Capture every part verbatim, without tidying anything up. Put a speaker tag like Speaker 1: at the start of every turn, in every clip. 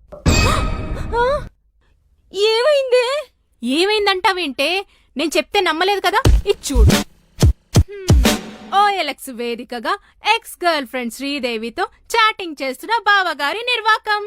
Speaker 1: ఏమైందే?
Speaker 2: ఏమైందంటావేంటే? నేను చెప్తే నమ్మలేదు కదా, ఇచ్చూడు. ఓఎల్ఎక్స్ వేదికగా ఎక్స్ గర్ల్ ఫ్రెండ్ శ్రీదేవితో చాటింగ్ చేస్తున్న బావగారి నిర్వాకం.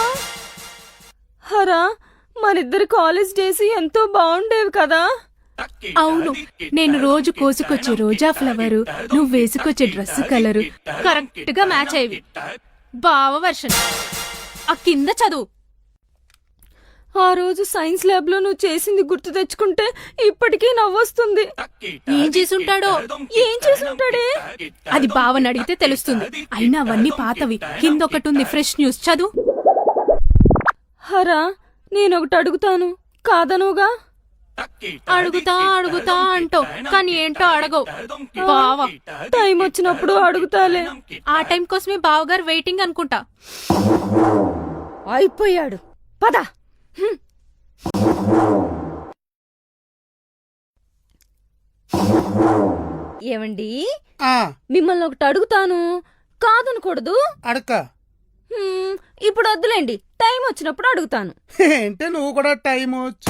Speaker 1: హరా, మనిద్దరి కాలేజ్ డేస్ ఎంతో బాగుండేవి కదా.
Speaker 2: అవును, నేను రోజు కోసుకొచ్చే రోజా ఫ్లవరు, నువ్వు వేసుకొచ్చే డ్రెస్ కలరు కరెక్ట్ గా మ్యాచ్ అయ్యేవి. బావ వర్షన్ ఆ కింద చదువు.
Speaker 1: ఆ రోజు సైన్స్ ల్యాబ్ లో నువ్వు చేసింది గుర్తు తెచ్చుకుంటే ఇప్పటికీ నవ్వొస్తుంది.
Speaker 2: ఏం చేసుంటాడో?
Speaker 1: ఏం చేసుంటాడే?
Speaker 2: అది బావని అడిగితే తెలుస్తుంది. అయినా అవన్నీ పాతవి. కింద ఒకటి ఉంది, ఫ్రెష్ న్యూస్, చదువు.
Speaker 1: హరా, నేనొకటి అడుగుతాను, కాదనుగా?
Speaker 2: అడుగుతా అడుగుతా అంటో కానీ ఏంటో అడగవు. బావ
Speaker 1: టైం వచ్చినప్పుడు అడుగుతాలే.
Speaker 2: ఆ టైం కోసమే బావగారు వెయిటింగ్ అనుకుంటా.
Speaker 1: అయిపోయాడు, పద. ఏమండి, మిమ్మల్ని ఒకటి అడుగుతాను, కాదనకూడదు.
Speaker 3: అడక.
Speaker 1: ఇప్పుడు వద్దులేండి, టైం వచ్చినప్పుడు అడుగుతాను.
Speaker 3: ఏంటే నువ్వు కూడా టైం వచ్చి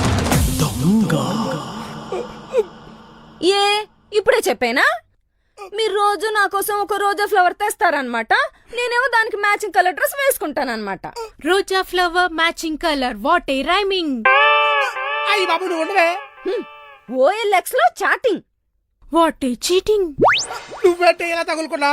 Speaker 1: ఏ ఇప్పుడే చెప్పేనా? మీరు రోజు నా కోసం ఒక రోజా ఫ్లవర్ తెస్తారనమాట, నేనేమో దానికి మ్యాచింగ్ కలర్ డ్రెస్ వేసుకుంటానన్నమాట.
Speaker 2: రోజా flower matching colour, what a rhyming.
Speaker 3: అయ్యి బాబు నువ్వు ఉండవే.
Speaker 1: ఓఎల్ఎక్స్ లో చాటింగ్,
Speaker 2: వాట్ ఏ చీటింగ్.
Speaker 3: నువ్వేంటే ఇలా తగులుకున్నా?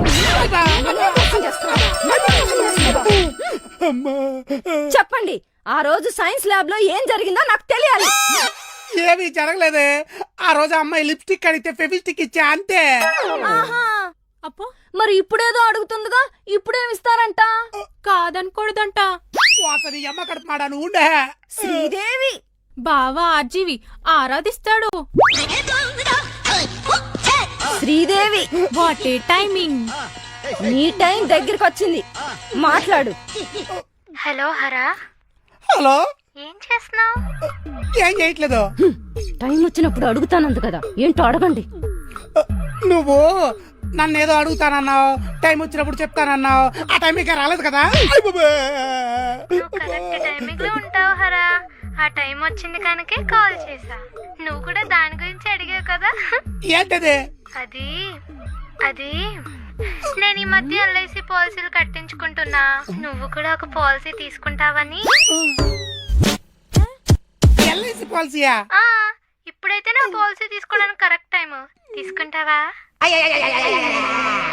Speaker 1: చెప్పండి, ఆ రోజు సైన్స్ ల్యాబ్ లో ఏం జరిగిందో నాకు తెలియాలి.
Speaker 3: ఏమీ జరగలేదే. ఆ రోజు అమ్మాయి లిప్స్టిక్ అడిగితే ఫెవిస్టిక్ ఇచ్చా, అంతే.
Speaker 2: అప్పో,
Speaker 1: మరి ఇప్పుడేదో అడుగుతుందిగా, ఇప్పుడేమిస్తారంట?
Speaker 2: కాదనకూడదంట.
Speaker 3: వాసని అమ్మ కడుపుమాడా నువ్వు ఉండే.
Speaker 1: శ్రీదేవి
Speaker 2: బావా ఆర్జీవి ఆరాధిస్తాడు.
Speaker 1: Sridevi
Speaker 2: what a timing.
Speaker 1: నీ టైం దగ్గరికి వచ్చింది, మాట్లాడు.
Speaker 4: హలో హరా.
Speaker 3: హలో,
Speaker 4: ఏం చేస్తున్నావు?
Speaker 3: ఏం చేయట్లేదు.
Speaker 1: టైం వచ్చినప్పుడు అడుగుతానంది కదా, ఏంటో అడగండి.
Speaker 3: నువ్వు నన్ను ఏదో అడుగుతానన్నావు, టైం వచ్చినప్పుడు చెప్తానన్నావు. ఆ టైం ఇంకా రాలేదు కదా.
Speaker 4: నువ్వు కరెక్ట్ టైమింగ్ లో ఉంటావు హరా. ఆ టైం వచ్చింది కనుకే కాల్ చేసా. నువ్వు కూడా దాని గురించి అడిగావు కదా.
Speaker 3: ఏంటది?
Speaker 4: అది అది నేను ఈ మధ్య ఎల్ఐసి పాలసీలు కట్టించుకుంటున్నా. నువ్వు కూడా ఒక పాలసీ తీసుకుంటావని.
Speaker 3: ఎల్ఐసి పాలసీయా?
Speaker 4: ఆ ఇప్పుడైతే నా పాలసీ తీసుకోవడానికి కరెక్ట్ టైం. తీసుకుంటావా?